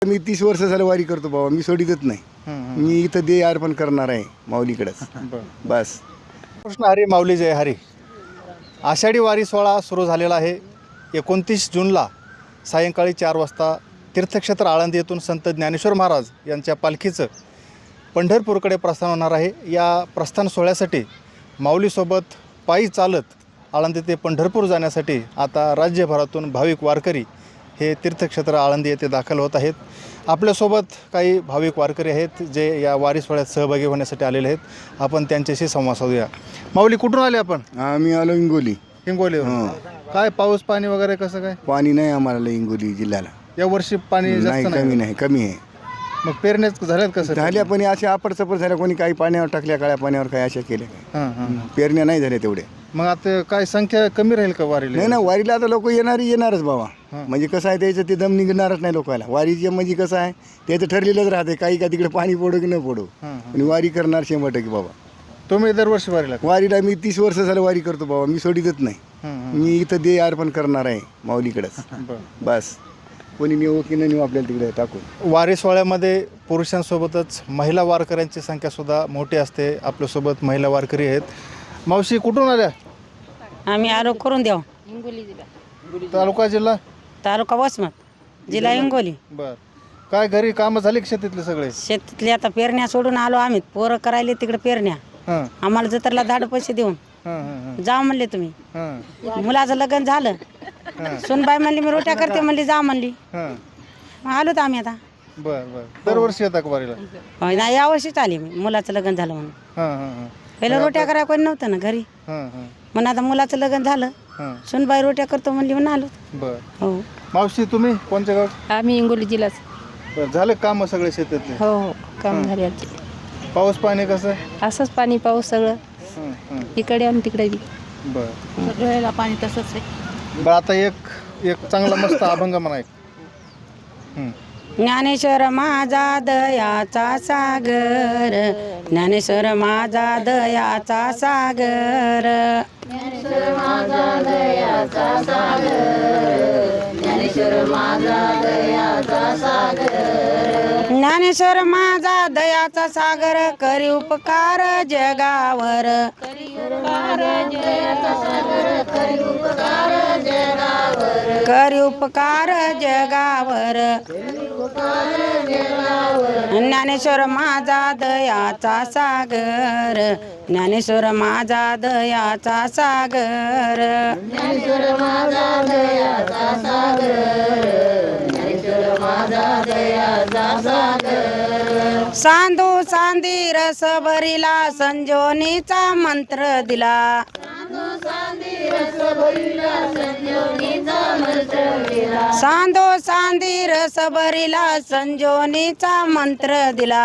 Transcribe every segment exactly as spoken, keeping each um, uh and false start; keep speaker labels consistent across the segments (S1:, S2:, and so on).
S1: मी तीस वर्ष झालं वारी करतो बाबा, मी सोडितच नाही. मी इथं दे अर्पण करणार आहे माऊलीकडेच बस.
S2: कृष्ण हरी माऊली जय हरी. आषाढी वारी सोहळा सुरू झालेला आहे. एकोणतीस जूनला सायंकाळी चार वाजता तीर्थक्षेत्र आळंदी येथून संत ज्ञानेश्वर महाराज यांच्या पालखीचं पंढरपूरकडे प्रस्थान होणार आहे. या प्रस्थान सोहळ्यासाठी माऊलीसोबत पायी चालत आळंदी ते पंढरपूर जाण्यासाठी आता राज्यभरातून भाविक वारकरी हे तीर्थक्षेत्र आळंदी येथे दाखल होत आहेत. आपल्यासोबत काही भाविक वारकरी आहेत जे या वारी सोहळ्यात सहभागी होण्यासाठी आलेले आहेत. आपण त्यांच्याशी संवाद साधूया. माऊली, कुठून आले आपण?
S1: आम्ही आलो हिंगोली.
S2: हिंगोली. काय पाऊस पाणी वगैरे कसं काय?
S1: पाणी नाही आम्हाला हिंगोली जिल्ह्याला
S2: या वर्षी पाणी
S1: नाही,
S2: जास्त
S1: कमी नाही, कमी आहे.
S2: मग पेरण्यात झाल्यात कसं?
S1: झाल्या पण असे आपड चपड झाल्या, कोणी काही पाण्यावर टाकल्या, काळ्या पाण्यावर काही अशा केल्या.
S2: हां हां.
S1: पेरण्या नाही झाल्या तेवढे.
S2: मग आता काय संख्या कमी राहील का वारीला?
S1: नाही ना, वारीला आता लोक येणारी येणारच बाबा. म्हणजे कसं आहे त्याचं ते दम निघणारच नाही लोकांना. वारीचे म्हणजे कसं आहे त्याचं ठरलेलंच राहते, काही का तिकडे पाणी पडो की न पडो, आणि वारी करणार शंभर टक्के बाबा.
S2: तुम्ही दरवर्षी वारीला?
S1: वारीला मी तीस वर्ष झालं वारी करतो बाबा, मी सोडितच नाही. मी इथं दे अर्पण करणार आहे माऊलीकडेच बस. कोणी नेऊ की न नेऊ आपल्याला तिकडे टाकून.
S2: वारी सोहळ्यामध्ये पुरुषांसोबतच महिला वारकऱ्यांची संख्यासुद्धा मोठी असते. आपल्यासोबत महिला वारकरी आहेत. मावशी, कुठून आल्या?
S3: आम्ही आरोप करून द्याव.
S2: तालुका जिल्हा?
S3: तालुका वसमत, जिल्हा हिंगोली.
S2: बर. काय घरी कामं झाली का शेतीतले सगळे?
S3: शेतीतले आता पेरण्या सोडून आलो आम्ही. पोरं करायले तिकडे पेरण्या.
S2: हां
S3: आम्हाला जत्रला धाड पैसे देऊन
S2: हां हां
S3: जा म्हणले तुम्ही.
S2: हां
S3: मुलाचं लग्न झालं. सुनबाई म्हणली मी रोट्या करते म्हणली, जा म्हणली.
S2: हां.
S3: आलो तर आम्ही आता.
S2: बर बर. दरवर्षी येतात का वारीला?
S3: होय ना, यावर्षीच आली मी. मुलाचं लग्न झालं म्हणून.
S2: हां हां हां
S3: पहिलं रोट्या करायला कोणी नव्हतं ना घरी.
S2: हां हां
S3: म्हणून आता मुलाचं लग्न झालं.
S2: हां.
S3: सुनबाई रोट्या करतो म्हणली म्हणून आलो.
S2: बर.
S3: हो.
S2: मावशी, तुम्ही कोणत्या गाव?
S4: आम्ही हिंगोली जिल्हाच.
S2: बर. झाले काम सगळे शेतातले?
S4: हो हो, काम झाले आमचे.
S2: पाऊस पाणी कसं?
S4: असंच पाणी पाऊस सगळं
S2: हां हां.
S4: इकडे आणि तिकडे बी
S2: बर.
S4: सगळ्याला पाणी तसंच आहे.
S2: बरं, आता एक एक चांगला मस्त अभंग म्हणा एक. हं.
S3: ज्ञानेश्वर माझा दयाचा सागर, ज्ञानेश्वर माझा दयाचा सागर, ज्ञानेश्वर माझा दयाचा सागर, ज्ञानेश्वर माझा दयाचा सागर, ज्ञानेश्वर माझा दयाचा सागर, करी उपकार जगावर, करी उपकार जगाचा सागर, करी उपकार जगावर, करी उपकार जगावर, ज्ञानेश्वर माझा दयाचा सागर, ज्ञानेश्वर माझा दयाचा सागर, ज्ञानेश्वर माझा दयाचा सागर, ज्ञानेश्वर माझा दयाचा सागर, सांधू सांधी रस भरिला, संजोनीचा मंत्र दिला, सांधू सांधी रस भरिला, संजोनीचा मंत्र दिला, सांधू सांधी रस भरिला, संजोनीचा मंत्र दिला,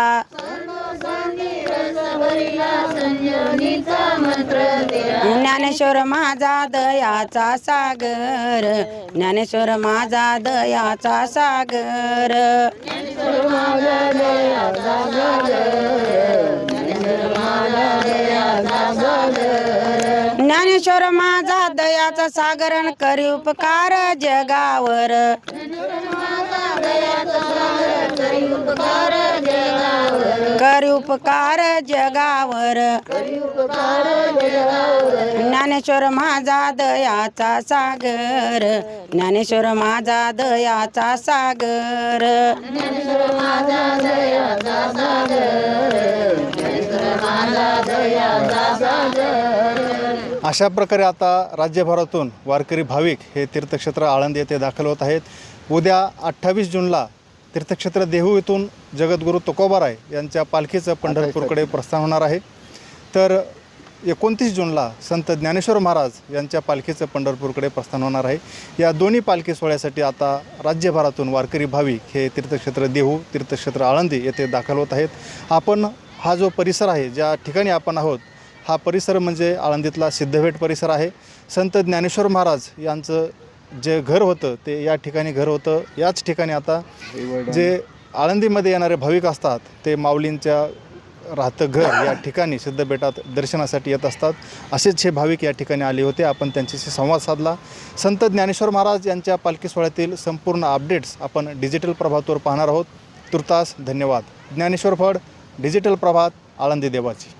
S3: ज्ञानेश्वर माझा दयाचा सागर, ज्ञानेश्वर माझा दयाचा सागर, ज्ञानेश्वर माझा दयाचा सागर, ज्ञानेश्वर माझा दयाचा सागर, ज्ञानेश्वर माझा दयाचा सागर, करी उपकार जगावर, करी उपकार जगावर, करी उपकार जगावर, ज्ञानेश्वर माझा दयाचा सागर, ज्ञानेश्वर माझा दयाचा सागर, ज्ञानेश्वर माझा दयाचा सागर, ज्ञानेश्वर माझा दयाचा सागर.
S2: अशा प्रकारे आता राज्यभरातून वारकरी भाविक हे तीर्थक्षेत्र आळंदी येथे दाखल होत आहेत. उद्या अठ्ठावीस जूनला तीर्थक्षेत्र देहू येथून जगद्गुरू तुकोबाराय यांच्या पालखीचं पंढरपूरकडे प्रस्थान होणार आहे. तर एकोणतीस जूनला संत ज्ञानेश्वर महाराज यांच्या पालखीचं पंढरपूरकडे प्रस्थान होणार आहे. या दोन्ही पालखी सोहळ्यासाठी आता राज्यभरातून वारकरी भाविक हे तीर्थक्षेत्र देहू, तीर्थक्षेत्र आळंदी येथे दाखल होत आहेत. आपण हा जो परिसर आहे, ज्या ठिकाणी आपण आहोत, हा परिसर म्हणजे आळंदीतला सिद्धभेट परिसर आहे. संत ज्ञानेश्वर महाराज यांचं जे घर होतं ते या ठिकाणी घर होतं. याच ठिकाणी आता जे आळंदीमध्ये येणारे भाविक असतात ते माऊलींच्या राहतं घर या ठिकाणी सिद्धबेटात दर्शनासाठी येत असतात. असेच हे भाविक या ठिकाणी आले होते. आपण त्यांच्याशी संवाद साधला. संत ज्ञानेश्वर महाराज यांच्या पालखी सोहळ्यातील संपूर्ण अपडेट्स आपण डिजिटल प्रभातवर पाहणार आहोत. तुर्तास धन्यवाद. ज्ञानेश्वर फड, डिजिटल प्रभात, आळंदी देवाची.